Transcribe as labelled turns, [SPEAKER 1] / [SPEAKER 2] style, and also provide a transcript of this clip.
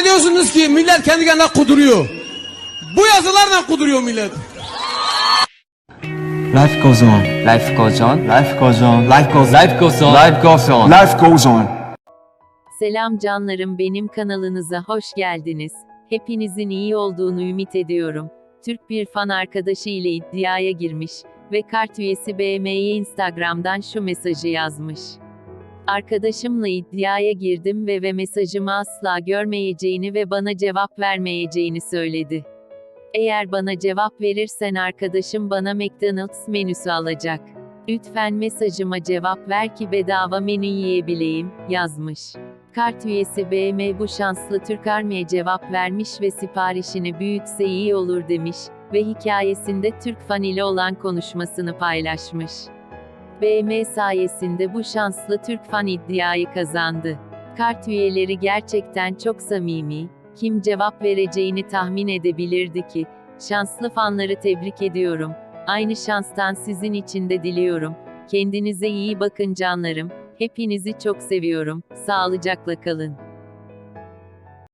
[SPEAKER 1] Zannediyorsunuz ki millet kendi kendine kuduruyor. Bu yazılarla kuduruyor millet.
[SPEAKER 2] Life goes on.
[SPEAKER 3] Life goes on.
[SPEAKER 2] Life goes on.
[SPEAKER 3] Life goes on.
[SPEAKER 2] Life goes on.
[SPEAKER 3] Life goes on.
[SPEAKER 2] Life goes on.
[SPEAKER 4] Selam canlarım, benim kanalınıza hoş geldiniz. Hepinizin iyi olduğunu ümit ediyorum. Türk bir fan arkadaşı ile iddiaya girmiş ve kart üyesi BM'ye Instagram'dan şu mesajı yazmış. Arkadaşımla iddiaya girdim ve mesajımı asla görmeyeceğini ve bana cevap vermeyeceğini söyledi. Eğer bana cevap verirsen arkadaşım bana McDonald's menüsü alacak. Lütfen mesajıma cevap ver ki bedava menü yiyebileyim, yazmış. Kart üyesi BM bu şanslı Türk Army'ye cevap vermiş ve siparişini büyütse iyi olur demiş ve hikayesinde Türk fan ile olan konuşmasını paylaşmış. BM sayesinde bu şanslı Türk fan iddiayı kazandı. Kart üyeleri gerçekten çok samimi, kim cevap vereceğini tahmin edebilirdi ki? Şanslı fanları tebrik ediyorum. Aynı şanstan sizin için de diliyorum. Kendinize iyi bakın canlarım. Hepinizi çok seviyorum. Sağlıcakla kalın.